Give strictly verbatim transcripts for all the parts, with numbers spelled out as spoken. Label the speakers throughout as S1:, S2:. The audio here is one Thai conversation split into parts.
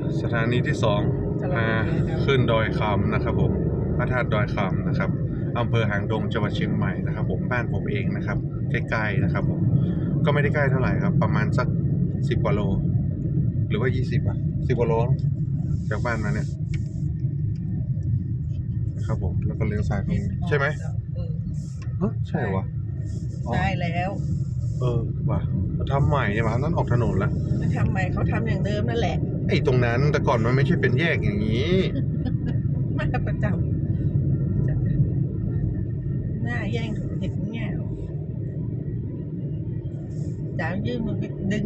S1: สถานีที่สองมาขึ้นดอยคำนะครับผมพระธาตุดอยคำนะครับอำเภอหางดงจังหวัดเชียงใหม่นะครับผมบ้านผมเองนะครับใกล้ๆนะครับผมก็ไม่ได้ใกล้เท่าไหร่ครับประมาณสักสิบกว่าโลหรือว่ายี่สิบอ่ะสิบกว่าโลจากบ้านมาเนี่ยนะครับผมแล้วก็เลี้ยวซ้ายตรงนี้ใช่ไหมเออใช่วะ
S2: ได้แล้ว
S1: เออว่ะทำใหม่เนี่ยมันนั้นออกถนนแล้ว
S2: ไม่ทำใหม่เขาทำอย่างเดิมนั่นแหละ
S1: ไอ้ตรงนั้นแต่ก่อนมันไม่ใช่เป็นแยกอย่างนี้
S2: มาประจำจะหน้าแย่งเห็ดแง่วจ๋ายื่นมือไปดึง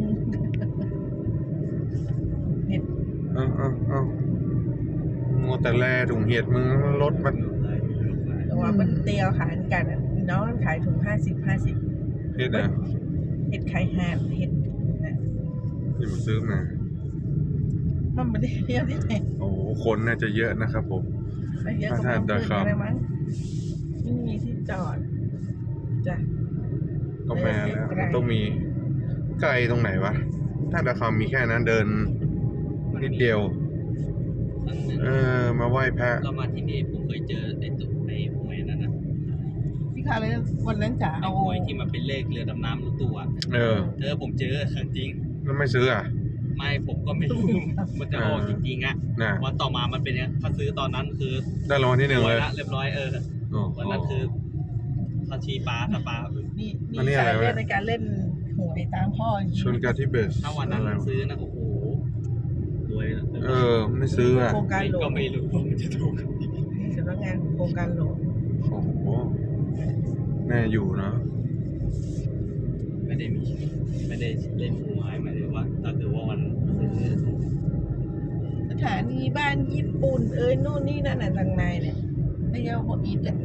S2: เห็ด
S1: เอ้าเอ้าเอ้ามัวแต่แลถุงเห็ดมึงรถมัน
S2: ตัวมันเตียวขายกันอ่ะน้องมันขายถุงห้าสิบห้าสิบ
S1: เห็ดนะ
S2: เห็ดไข่ห่านเห็ดนะ
S1: ที่มาซื้อมา
S2: มันไม่ได้เที่ยวที่ไหน
S1: โอ้โหคนน่าจะเยอะนะครับผม
S2: ไม่เยอะก็มาขึ้นอะไรมั้งไม่มีที่จอดจ้ะ
S1: ก็แม่แล้วต้องมีไกลตรงไหนวะถ้าดาคำมีแค่นั้นเดินนิดเดียว เออมาไหว้พระ
S3: ก็มาที่นี่ผมเคยเจอไอ้ตุ๊ไอ้หวยนั่นนะ
S2: พี่คาเลยวันนั้นจ๋า
S3: ไอ้
S2: เอา
S3: หวยที่มันเป็นเลขเรือดำน้ำรถตู้อ่ะ
S1: เออ
S3: เธอผมเจอจริง
S1: แล้วไม่ซื้ออ่ะ
S3: ไม่ผมก็ไม่รู้ มันจะออกจริงๆอ่ะ
S1: น่ะ
S3: วันต่อมามันเป็นเนี้ยถ้าซื้อตอนนั้นคือ
S1: ได้รางวัลที่หนึ่ง
S3: รว
S1: เลย ย
S3: ละเรียบร้อยเออ
S1: โอ้โห
S3: วันนั้นคือเขาชี้ปลาถ้าปลา
S2: นี่
S1: อันนี้
S2: นี่
S1: อะไร
S2: สายว
S1: ะ
S2: เลือดในการเล่นหวยตามพ่ออย่างนี้
S1: ชนกาที่เบส
S3: ถ้าวันนั้น
S1: อะไรวะ
S3: ซื้อนะโอ้โหรวยนะ
S1: เออ ไม่ซื้ออ่ะ
S2: โครงการหลว
S3: ก็
S2: ง
S3: ไม่รู้ว่ามันจะถูก
S2: สำนักงานโครงการหลวง
S1: โอ้โหแน่อยู่เนาะ
S3: ไม่ได้มีไม่ได้เล่นหวยหมายถึงว่าถ้าเกิดว่าวันซื้อ
S2: สถานีบ้านญี่ปุ่นเอ้ยนู่นนี่นั่นน่ะทางในเนี่ยไม่ยอมบอกอีกอ่ะ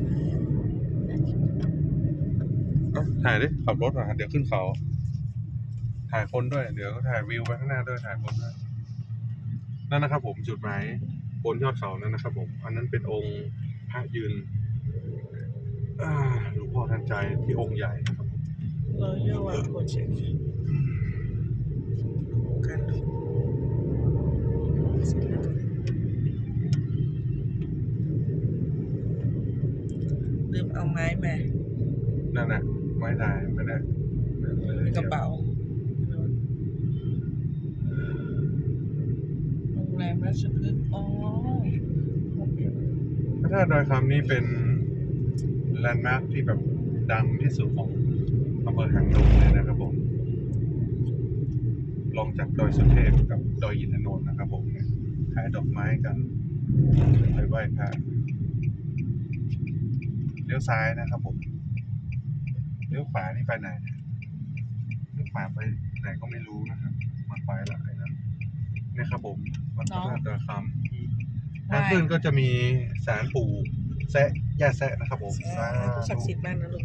S1: เอ้าถ่ายดิขับรถมาเดี๋ยวขึ้นเขา ถ่ายคนด้วย เดี๋ยวก็ถ่ายวิวไปข้างหน้าด้วยถ่ายคนด้วยนั่นนะครับผมจุดหมายบนยอดเขานั่นนะครับผม อันนั้นเป็นองค์พระยืนอ่าหลวงพ่อทันใจที่องค์ใหญ่นะครับผม
S2: เราเรียกว่าโปรเจกต์การหลวงลืมเอาไม้มา
S1: นั่นน่ะไม้ถ่ายไม่ได้
S2: ในกระเป๋าโรงแรมราชพฤกษ์อ๋อ
S1: พระธาตุดอยคำนี้เป็นแลนด์มาร์คที่แบบดังที่สุดของอำเภอหางดงเลยนะครับผมลองจากดอยสุเทพกับดอยอินทนนท์นะครับผมเนี่ยขายดอกไม้กันไปไหว้พระเลี้ยวซ้ายนะครับผมเลี้ยวขวานี่ไปไหนเนี่ยเลี้ยวขวาไปไหนก็ไม่รู้นะครับมันไปละไอ้นั้นเนี่ยครับผมวัดพระธาตุดอยคำทางขึ้นก็จะมีศาลปู่แซะย่าแซะนะครับผม
S2: สาธุศักดิ์สิทธิ์มากนะลูก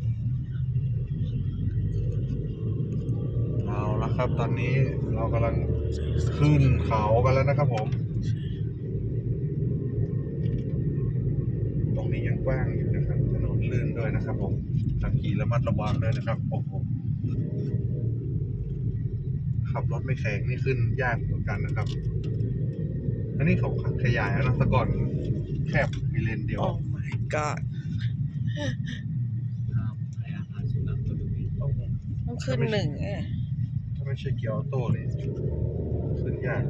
S1: เอาละครับ ตอนนี้เรากำลังขึ้นเขากันแล้วนะครับผม ตรงนี้ยังกว้างอยู่นะครับถนนลื่นด้วยนะครับผมขับขี่ระมัดระวังด้วยนะครับโอ้โหขับรถไม่แข็งนี่ขึ้นยากเหมือนกันนะครับ อันนี้เขาขยายแล้วนะแต่ก่อนแคบมีเลนเดียว
S2: โอ้ my god
S3: ให้อาหารสุนัขก็ดูดี
S2: ต้องขึ้นหนึ่งเอ้ย
S1: ถ้าไม่ใช่เกียร์ออโต้นี่ขึ้นยาก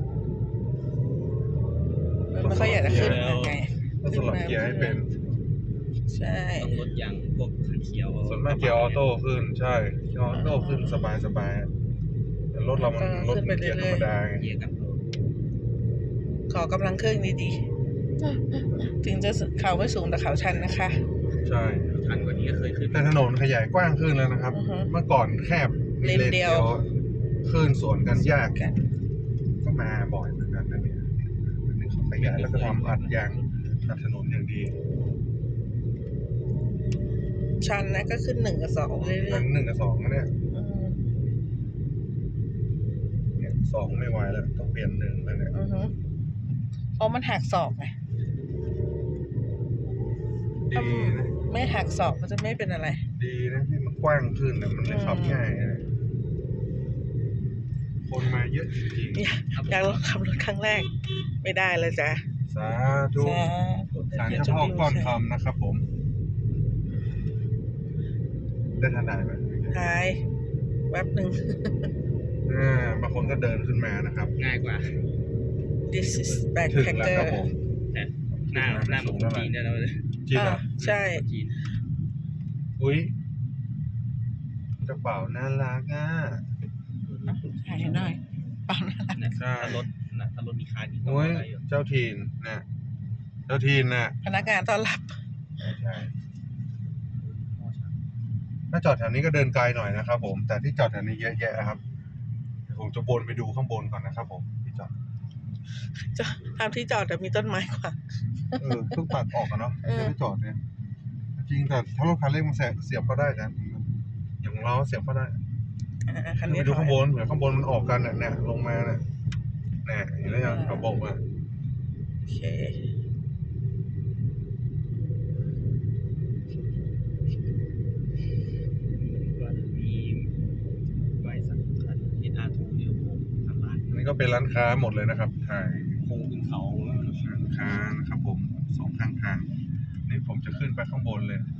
S2: มันไม่ค่อยอยากจะขึ้นยังไง
S1: ต้องสลับเกียร์ให้เป็น
S2: ใช่
S3: ต้องลดยางพวกขันเขียว
S1: ส่วนมากเกียร์ออโต้ขึ้นใช่เกียร์ออโต้ขึ้นสบายสบายแต่รถเรามันรถมันเกียร์ธรรมดาไง
S3: เกียร์กัน
S2: ขอกำลังเครื่องดีๆ ถึงจะเขาไม่สูงแต่เขาชันนะคะ
S1: ใช่
S3: ชันกว่านี้ก็เคยขึ้น
S1: แต่ถนนขยายกว้างขึ้นแล้วนะครับ
S2: อือฮึ
S1: เมื่อก่อนแคบมี
S2: เลนเดียว
S1: ขึ้นสวนกันยาก
S2: กัน
S1: ก็มาบ่อยเหมือนกันนะเนี่ยอันนี้เขาขยายแล้วก็ทำอัดยางอัดถนนอย่างดี
S2: ชันนะก็ขึ้นหนึ่งกับสองเรื่
S1: หลั
S2: อย
S1: งหนึ่งกับสองนะเนี่ย
S2: ๆอืม
S1: เนี่ยสองไม่ไหวแล้วต้องเปลี่ยนหนึ่งแล้วเนี่ย
S2: อือฮึเพราะมันหักศอกไง
S1: ดีนะ
S2: ไม่หักศอกมันจะไม่เป็นอะไร
S1: ดีนะที่มันกว้างขึ้นแต่มันเลยขับง่ายนะคคนมาเยอะจริง
S2: อยากอยากลองขับรถครั้งแรก ไม่ได้เลยจ้ะ
S1: ๆสาธุ
S2: สาธุ
S1: สารเจ้าพ่อก้อนคำนะครับผม ได้ทันได้ไหม
S2: หายแป๊บหนึ่ง
S1: อ่าบางคนก็เดินขึ้นมานะครับ
S3: ง่ายกว่า
S2: this is
S1: ถึงแล้ว
S2: backpacker
S1: ครับผม
S3: แต่หน้าหน้าเหมือนคนจีนเนี่ยเราเลย
S1: จริงเหรอ
S2: อ่าใช่
S3: คนจีน
S1: อุ้ยกระเป๋าน่ารักอ่ะ
S2: ถ่ายหน่อยเปล่านะ
S3: เนี่ย
S1: ใช่
S3: ถ้ารถนะถ้ารถมีคาร์นี่ก็
S1: อุ้ย
S3: อะไรอยู่
S1: เจ้าทีนน่ะเจ้าทีนน่ะ
S2: พนักงานต้อนรับ
S1: ใช่ถ้าจอดแถวนี้ก็เดินไกลหน่อยนะครับผม แต่ที่จอดแถวนี้เยอะแยะครับเดี๋ยวผมจะบนไปดูข้างบนก่อนนะครับผมที่จอด
S2: จะทำที่จอดแต่มีต้นไม้ขวาง
S1: เออเพิ่งตัดออกกันเนาะ
S2: เออ
S1: ไม่ได้จอดเนี่ยจริงแต่ถ้ารถคันเล็กมันเสียบเสียบก็ได้กันอย่างของเราเสียบก็ได้
S2: อ่าคัน
S1: ไป
S2: นี้
S1: ดู
S2: ถอ
S1: ข้าย งบนเหมือนข้างบนมันออกกันน่ะเนี่ยลงมาเนี่ยเนี่ยเห็นแล้วยังเขาบอกว่า
S2: โอเค
S3: ก็มีไว้สักคันเอ็นอาร์ทูเดียวผมทำร้าน
S1: อันนี้ก็เป็นร้านค้าหมดเลยนะครับถ่าย
S3: โค้งขึ้นเขาแล้ว
S1: ร้านค้านะครับผมสองข้างทางนี่ผมจะขึ้นไปข้างบนเลย